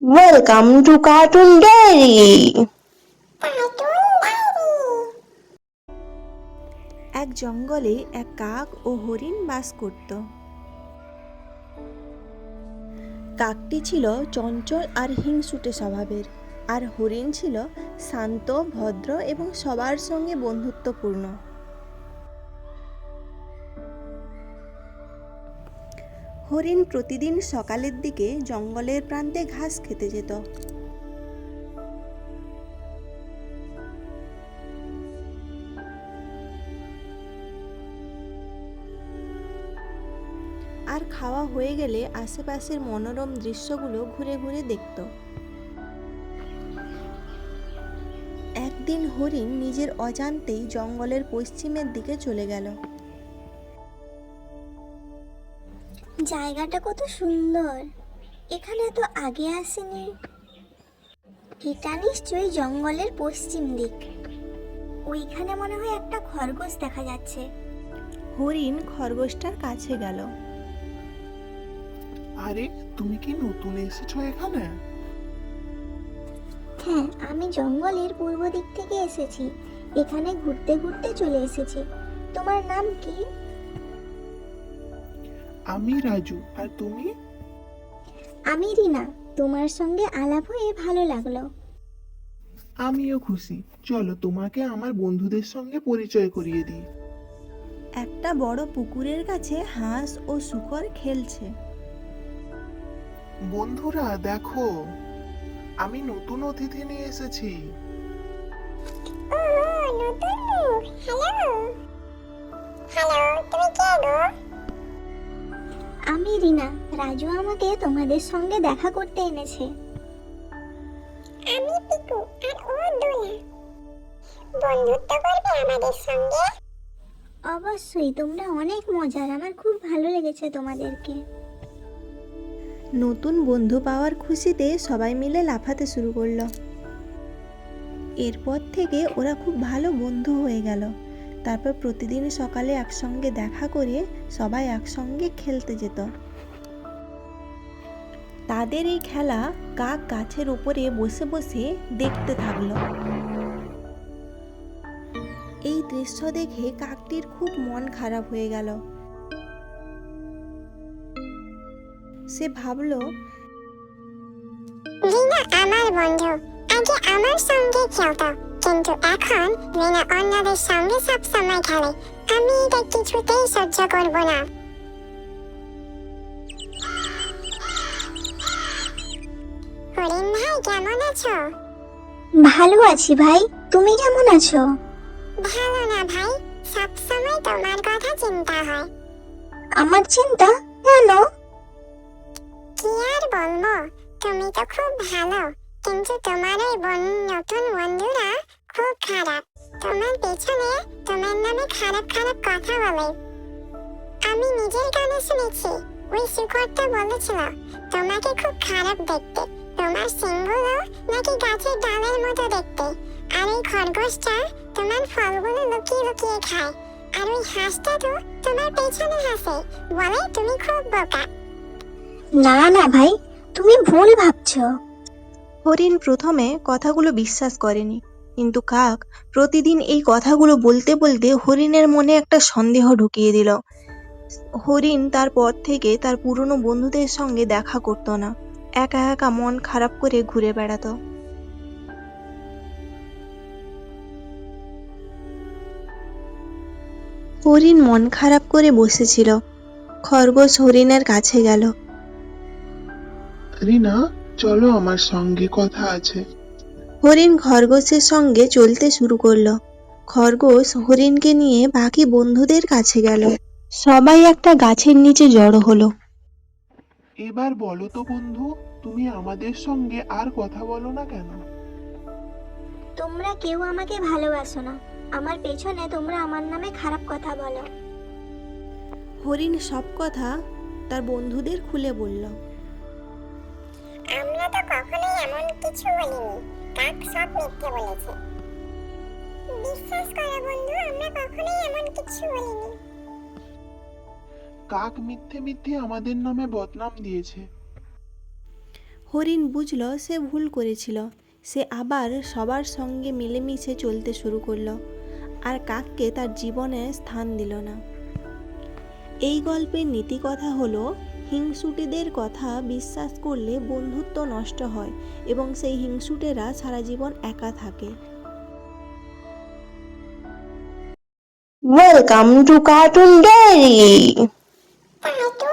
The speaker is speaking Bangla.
Welcome to Cartoon Diary. এক জঙ্গলে এক কাক ও হরিণ বাস করত। কাকটি ছিল চঞ্চল আর হিংসুটে স্বভাবের, আর হরিণ ছিল শান্ত, ভদ্র এবং সবার সঙ্গে বন্ধুত্বপূর্ণ। হরিণ প্রতিদিন সকালের দিকে জঙ্গলের প্রান্তে ঘাস খেতে যেত। আর খাওয়া হয়ে গেলে আশেপাশের মনোরম দৃশ্যগুলো ঘুরে ঘুরে দেখত। একদিন হরিণ নিজের অজান্তেই জঙ্গলের পশ্চিমের দিকে চলে গেল। জায়গাটা কত সুন্দর, এখানে তো আগে আসেনি। এটা নিশ্চয়ই জঙ্গলের পশ্চিম দিক। ওইখানে মনে হয় একটা খরগোশ দেখা যাচ্ছে। হরিণ খরগোশটার কাছে গেল। আরে, তুমি কি নতুন এসেছো এখানে? হ্যাঁ, আমি জঙ্গলের পূর্ব দিক থেকে এসেছি। এখানে ঘুরতে ঘুরতে চলে এসেছি। তোমার নাম কি? আমি রাজু। আর তুমি? আমি রিনা। তোমার সঙ্গে আলাপ হয়ে ভালো লাগলো। আমিও খুশি। চলো তোমাকে আমার বন্ধুদের সঙ্গে পরিচয় করিয়ে দিই। একটা বড় পুকুরের কাছে হাঁস ও শূকর খেলছে। বন্ধুরা দেখো, আমি নতুন অতিথি নিয়ে এসেছি। আমি রিনা। রাজু আমাকে তোমাদের সঙ্গে দেখা করতে এনেছে। আমি পিকু আর ও দোলা। বন্ধুত্ব করবে আমাদের সঙ্গে? অবশ্যই, তোমরা অনেক মজার। আমার খুব ভালো লেগেছে তোমাদেরকে। নতুন বন্ধু পাওয়ার খুশিতে সবাই মিলে লাফাতে শুরু করলো। এরপর থেকে ওরা খুব ভালো বন্ধু হয়ে গেল। তারপর প্রতিদিন সকালে একসঙ্গে দেখা করে সবাই একসঙ্গে খেলতে যেত। তাদের এই খেলা কাক গাছের উপরে বসে বসে দেখতে থাকলো। এই দৃশ্য দেখে কাকটির খুব মন খারাপ হয়ে গেল। সে ভাবলো, রিনা আমার বন্ধু, আগে আমার সঙ্গে খেলতো, কিন্তু এখন রিনা অন্যদের সঙ্গে সব সময় খেলে। আমি এটা কিছুতেই সহ্য করব না। হরিণ ভাই, কেমন আছো? ভালো আছি ভাই, তুমি কেমন আছো? ভালো না ভাই, সব সময় তোমার কথা চিন্তা হয়। আমার চিন্তা কেন? কি আর বলবো, তুমি তো খুব ভালো, কিন্তু তোমার ওই নতুন বন্ধুরা খুব খারাপ। তোমার পেছনে তোমার নামে খারাপ খারাপ কথা বলে। আমি নিজের কানে শুনেছি, ওই শুকরটা বলেছিল তোমাকে খুব খারাপ দেখতে। তোমার শিংগুলো নাকি গাছের ডালের মতো দেখতে। আর ওই খরগোশটা তোমার ফলগুলো লুকিয়ে লুকিয়ে খায়। আর ওই হাঁসটা তো তোমার পেছনে হাসে, বলে তুমি খুব বোকা। না না ভাই, তুমি ভুল ভাবছো। হরিণ প্রথমে কথাগুলো বিশ্বাস করেনি, কিন্তু কাক প্রতিদিন এই কথাগুলো বলতে বলতে হরিণের মনে একটা সন্দেহ ঢুকিয়ে দিল। হরিণ তারপর থেকে তার পুরনো বন্ধুদের সঙ্গে দেখা করত না, একা একা মন খারাপ করে ঘুরে বেড়াতো। হরিণ মন খারাপ করে বসেছিল। খরগোশ হরিণের কাছে গেল। রিনা, চলো আমার সঙ্গে কথা আছে। হরিণ খরগোশের সঙ্গে চলতে শুরু করলো। খরগোশ হরিণকে নিয়ে বাকি বন্ধুদের কাছে গেল। সবাই একটা গাছের নিচে জড়ো হলো। এবার বলো তো বন্ধু, তুমি আমাদের সঙ্গে আর কথা বলো না কেন? তোমরা কেউ আমাকে ভালোবাসো না। আমার পেছনে তোমরা আমার নামে খারাপ কথা বলো। হরিণ সব কথা তার বন্ধুদের খুলে বলল। আমরা তো কখনোই এমন কিছু বলিনি, কাক সব মিথ্যে বলেছে। বিশ্বাস করো বন্ধু, আমরা কখনোই এমন কিছু বলিনি। কাক মিথ্যে মিথ্যে আমাদের নামে বদনাম দিয়েছে। হরিণ বুঝল সে ভুল করেছিল। সে আবার সবার সঙ্গে মিলেমিশে চলতে শুরু করলো, আর কাককে তার জীবনে স্থান দিল না। এই গল্পের নীতি কথা হলো, হিংসুটেদের কথা বিশ্বাস করলে বন্ধুত্ব নষ্ট হয় এবং সেই হিংসুটেরা সারা জীবন একা থাকে। Welcome to Cartoon Diary. Cartoon